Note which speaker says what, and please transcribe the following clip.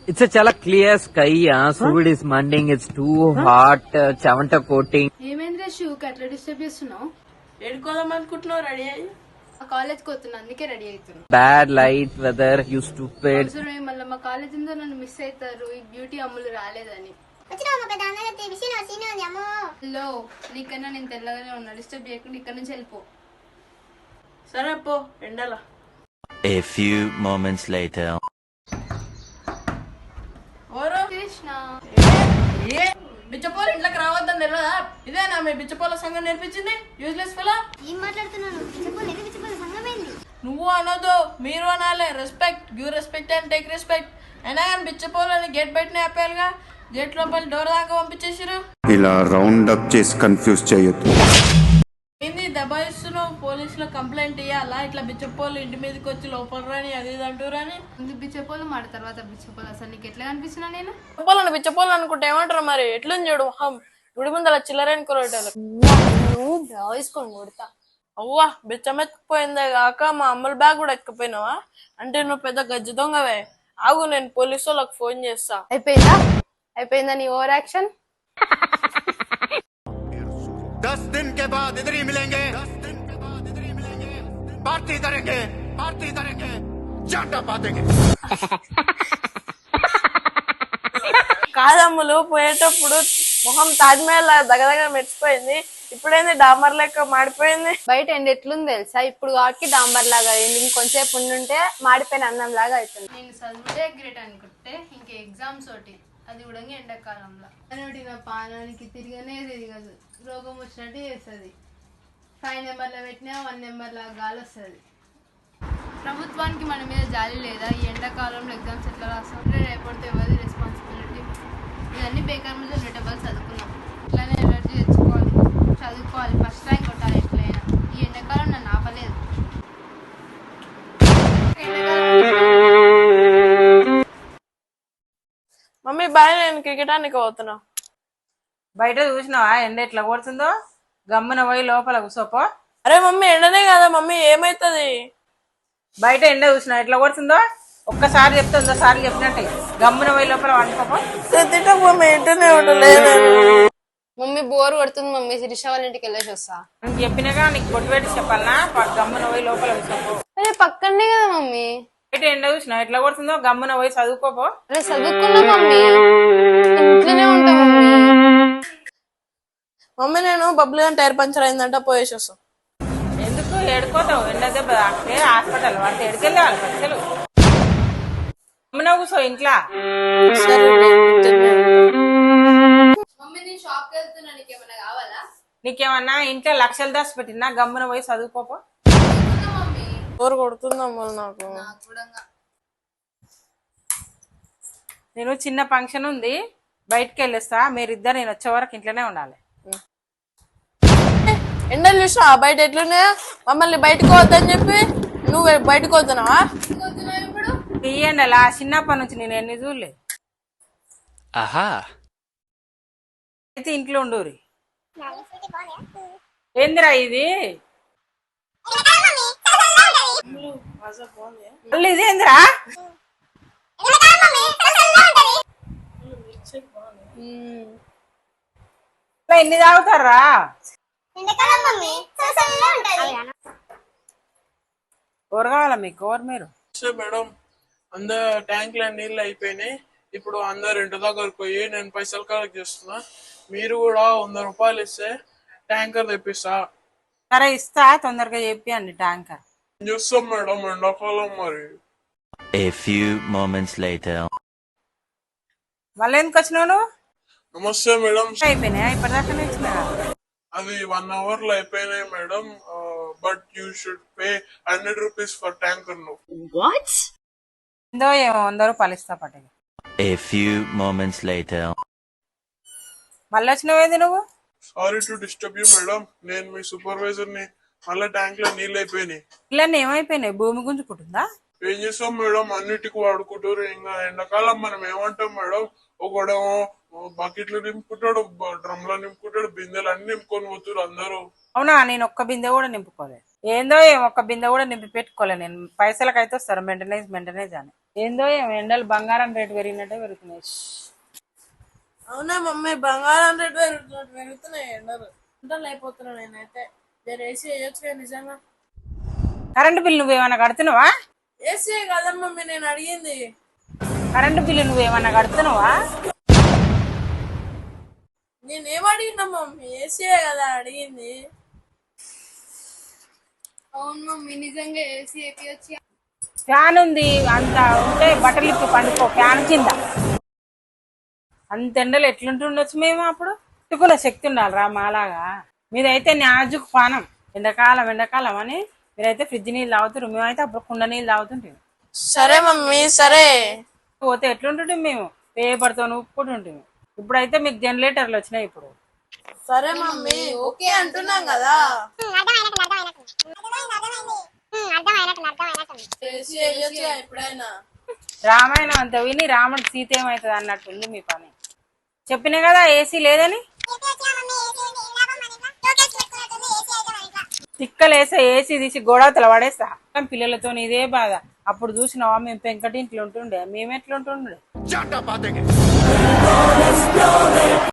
Speaker 1: It's a chala clear sky. Sud is manding. It's too hot. Chavanta coating.
Speaker 2: ఏమైందిరా షూకి అట్లా disturb చేస్తున్నావు?
Speaker 3: ఏడుకోదాం అనుకుంటున్నావు ready అయ్యి?
Speaker 2: కాలేజ్ కి వస్తున్నా, అందుకే రెడీ అవుతున్నా.
Speaker 1: Bad light weather. You stupid.
Speaker 2: అవసరమే మళ్ళీ మా కాలేజ్ ఉందో నన్ను మిస్ అవుతారు, ఈ బ్యూటీ అమ్ములు రాలేదని. హలో, నీకన్నా నేను తెల్లగానే ఉన్నా, డిస్టర్బ్ చేయకుండా ఇక్కడ నుంచి వెళ్ళిపో.
Speaker 3: సరే పో ఎండలా.
Speaker 4: A few moments later.
Speaker 3: ఓరో
Speaker 2: Krishna,
Speaker 3: ఏ బిచ్చపోలు ఇంట్లోకి రావద్దని తెలియదా? ఇదేనా మీ బిచ్చపోల సంఘం నేర్పించింది? Useless fellow.
Speaker 5: ఏం మాట్లాడుతున్నాను? పిచ్చిపోలేదు సంగమేంది?
Speaker 3: నువ్వు అనొద్దు, మీరు అనాలి. Respect, give respect and take respect. అయినా కానీ బిచ్చపోలని గేట్ బయటనే ఆపేయాలిగా. గేట్ లోపల డోర్ దాకా పంపించేసారు.
Speaker 6: ఇలా రౌండ్ అప్ చేసి కన్ఫ్యూజ్ చేయొద్దు.
Speaker 3: ఏంది దబాయిస్తున్నావు? పోలీసులో కంప్లైంట్ ఇయ్యాలా? ఇట్లా బిచ్చపోలు ఇంటి మీదకి వచ్చి లోపల రాని అది ఇది అంటూరని.
Speaker 2: ముందు బిచ్చపోలు మాట తర్వాత బిచ్చపోలు. అసలు నీకు ఎట్లా కనిపిస్తున్నా నేను?
Speaker 3: బిచ్చపోలను బిచ్చపోలు అనుకుంటే ఏమంటారు మరి? ఎట్లని చూడు మొహం, గుడి ముందు అలా చిల్లరని కొరటాలు.
Speaker 2: వేసుకొని కొడతా.
Speaker 3: అవ్వా బిచ్చమెత్తుకుపోయిందే కాక మా అమ్మల బ్యాగ్ కూడా ఎక్కిపోయినావా? అంటే నువ్వు పెద్ద గజ్జి దొంగవే. ఆగు, నేను పోలీసు వాళ్ళకి ఫోన్ చేస్తా.
Speaker 2: అయిపోయిందా నీ ఓవర్ యాక్షన్?
Speaker 6: 10 दिन के बाद इधर ही मिलेंगे, पार्टी करेंगे, चाटा पातेंगे.
Speaker 3: కాదమ్ములు, పోయేటప్పుడు మొహం తాజ్మహల్ దగ్గర మెరిచిపోయింది, ఇప్పుడైంది డాంబర్ లెక్క మాడిపోయింది.
Speaker 2: బయట ఎండ ఎట్లుంది తెలుసా? ఇప్పుడు కాబట్టి డాంబర్ లాగా అయింది, ఇంకొంచెంసేపు ఉండుంటే మాడిపోయిన అన్నం లాగా అవుతుంది. నేను చదివితే గ్రేట్ అనుకుంటే ఇంక ఎగ్జామ్స్ ఒకటి, అది కూడా ఎండాకాలంలో. ఒకటి నా పానానికి తిరగనే తిరగదు, రోగం వచ్చినట్టు చేస్తుంది. 5 నెంబర్లో పెట్టినా 1 నెంబర్లో గాలి వస్తుంది. ప్రభుత్వానికి మన మీద జాలి లేదా? ఈ ఎండాకాలంలో ఎగ్జామ్స్ ఎట్లా రాస్తాం? రేపటితో ఎవరిది రెస్పాన్సిబిలిటీ? ఇవన్నీ బేకార్ మీద రిటబుల్ చదువుకున్నాం. ఇట్లానే ఎనర్జీ తెచ్చుకోవాలి, చదువుకోవాలి, ఫస్ట్ ర్యాంక్ కొట్టాలి ఎట్లయినా. ఈ ఎండాకాలం నన్ను ఆపలేదు.
Speaker 3: మమ్మీ బాయ్, నేను క్రికెట్ ఆనికి పోతున్నా.
Speaker 7: బయట చూసినావా ఎండ ఎట్లా కొడుతుందో? గమ్మున పోయి లోపల కూసోపో.
Speaker 3: అరే మమ్మీ, ఎండనే కదా మమ్మీ, ఏమైతుంది?
Speaker 7: బయట ఎండ చూసినా ఎట్లా కొడుతుందో? ఒక్కసారి చెప్తే 100 సార్లు చెప్పినట్టే గమ్మున పోయి లోపల వండుకోపో.
Speaker 3: మమ్మీ ఇంటనే ఉండలేదు.
Speaker 2: మమ్మీ బోర్ కొడుతుంది మమ్మీ, శిరీష వాళ్ళ ఇంటికి వెళ్ళేసి వస్తా.
Speaker 7: నేను చెప్పినాగా నీకు కొట్టు పెట్టి చెప్పాలనా? గమ్మున పోయి లోపల కూసోపో.
Speaker 2: అరే పక్కనే కదా మమ్మీ.
Speaker 7: బయట ఎండ చూసినా ఎట్లా కొడుతుందో? గమ్మున పోయి చదువుకోపో.
Speaker 2: అరే చదువుకున్నా మమ్మీ, ఇంట్లోనే ఉంటా మమ్మీ.
Speaker 3: మమ్మీ నేను బబ్లు గాని టైర్ పంచర్ అయిందంట, పోయేసి వస్తాం.
Speaker 7: ఎందుకు ఎడుకోతావు? ఎండ దెబ్బ తాకితే హాస్పిటల్ వాడితే ఎడికెళ్ళాలి పచ్చలు. గమ్మున కూసో ఇంట్లో.
Speaker 2: మమ్మీ నేను షాప్ కి వెళ్తున్నా, నీకేమన్నా కావాలా?
Speaker 7: నీకేమన్నా ఇంట్లో లక్షలు దాచి పెట్టినా? గమ్మున పోయి చదువుకోపో.
Speaker 2: మమ్మీ
Speaker 3: బోర్ కొడుతుందమ్మా నాకు.
Speaker 7: నేను చిన్న ఫంక్షన్ ఉంది, బయటకు వెళ్ళేస్తా. మీరిద్దరు నేను వచ్చే వరకు ఇంట్లోనే ఉండాలి.
Speaker 3: ఎండలు చూసా బయట ఎట్లున్నాయో? మమ్మల్ని బయటకు వద్దని చెప్పి నువ్వు బయటకు వద్దున్నావా?
Speaker 2: ఇప్పుడు
Speaker 7: తీయండి అలా. చిన్నప్పటి నుంచి నేను ఎన్ని చూడలేదు.
Speaker 4: Aha.
Speaker 7: అయితే ఇంట్లో ఉండూరి. ఏందిరా ఇది? మళ్ళీ ఇదేందిరా? ఎన్ని తాగుతారా? కూర కావాలా మీకు? కూర మీరు
Speaker 8: మేడం అందరు ట్యాంక్ లో నీళ్ళు అయిపోయినాయి. ఇప్పుడు అందరు ఇంటి దగ్గరకు పోయి నేను పైసలు కలెక్ట్ చేస్తున్నా. మీరు కూడా 100 రూపాయలు ఇస్తే ట్యాంకర్ తెప్పిస్తా.
Speaker 7: సరే ఇస్తా, తొందరగా చెప్పండి ట్యాంకర్.
Speaker 8: చూస్తాం మేడం, ఎండాకాలం మరి.
Speaker 4: A few moments later.
Speaker 7: మళ్ళీ ఎందుకు వచ్చినావు నువ్వు?
Speaker 8: నమస్తే మేడం.
Speaker 7: అయిపోయినాయా? ఇప్పటిదాకా ఇచ్చినా.
Speaker 8: అది 1 అవర్ లో అయిపోయినాయి madam. But you should pay 100 rupees for tanker.
Speaker 7: ఎందో ఏమో 100 రూపాయలు ఇస్తా పట్టగా.
Speaker 4: A few moments later.
Speaker 7: మళ్ళీ వచ్చినావేంది నువ్వు?
Speaker 8: Sorry to disturb you madam, నేను మీ సూపర్వైజర్ ని. మళ్ళీ ట్యాంక్ లో నీళ్ళు అయిపోయినాయి.
Speaker 7: ఇలా ఏమైపోయినాయి? భూమి గుంజుకుంటుందా?
Speaker 8: ఏం చేస్తాం మేడం, అన్నిటికీ వాడుకుంటారు. ఇంకా ఎండాకాలం మనం ఏమంటాం మేడం, ఒకడేమో బకెట్లు నింపుకుంటాడు, డ్రమ్లో నింపుకుంటాడు, బిందెలు అన్ని నింపుకొని పోతారు అందరూ.
Speaker 7: అవునా? నేను ఒక్క బిందె కూడా నింపుకోలేదు. ఏందో ఏం ఒక్క బిందె కూడా నింపి పెట్టుకోలే నేను. పైసలకైతే వస్తారు మెయింటెనెన్స్ అని. ఏందో ఏం ఎండలు బంగారం రేటు పెరిగినట్టే పెరుగుతున్నాయి.
Speaker 3: అవునా మమ్మీ, బంగారం రేటు పెరుగుతున్నాయి ఎండలు. ఎండలు అయిపోతున్నా నేనైతే. నేను ఏసీ వేయొచ్చు నిజంగా.
Speaker 7: కరెంటు బిల్లు నువ్వేమన్నా కడుతున్నావా?
Speaker 3: ఏసీ కదా మమ్మీ నేను అడిగింది.
Speaker 7: కరెంటు బిల్లు నువ్వేమన్నా కడుతున్నావా?
Speaker 3: నేనేం అడిగినా మమ్మీ, ఏసీ కదా అడిగింది.
Speaker 2: అవును మమ్మీ, నిజంగా ఏసీ ఎక్కియొచ్చు.
Speaker 7: ఫ్యాన్ ఉంది, అంత ఉంటే బట్టలు ఇప్పి పండుకో ఫ్యాన్ కింద. అంత ఎండలు ఎట్లుంటుండొచ్చు మేము అప్పుడు. పెట్టుకునే శక్తి ఉండాలి రా మాలాగా. మీరైతే నాజుకు పానం. ఎండాకాలం అని మీరైతే ఫ్రిడ్జ్ నీళ్ళు తాగుతారు, మేమైతే అప్పుడు కుండ నీళ్ళు తాగుతుంటాం.
Speaker 3: సరే మమ్మీ సరే.
Speaker 7: పోతే ఎట్లుంటుంటాం మేము, పేపర్తో ఉప్పుకుంటుంటాం. ఇప్పుడైతే మీకు జనరేటర్లు వచ్చినాయి. ఇప్పుడు
Speaker 3: సరే మమ్మీ ఓకే అంటున్నాం కదా. ఏసీ వేయొచ్చు ఎప్పుడైనా.
Speaker 7: రామాయణం అంత విని రాముడు సీత ఏమవుతుంది అన్నట్టుంది మీ పని. చెప్పినా కదా ఏసీ లేదని. తిక్కలేసే ఏసీ తీసి గోడవతల పడేస్తా. పిల్లలతో ఇదే బాధ. అప్పుడు చూసినావా మేము పెంకటింట్లో ఉంటుండే, మేమెట్లుంటుండే.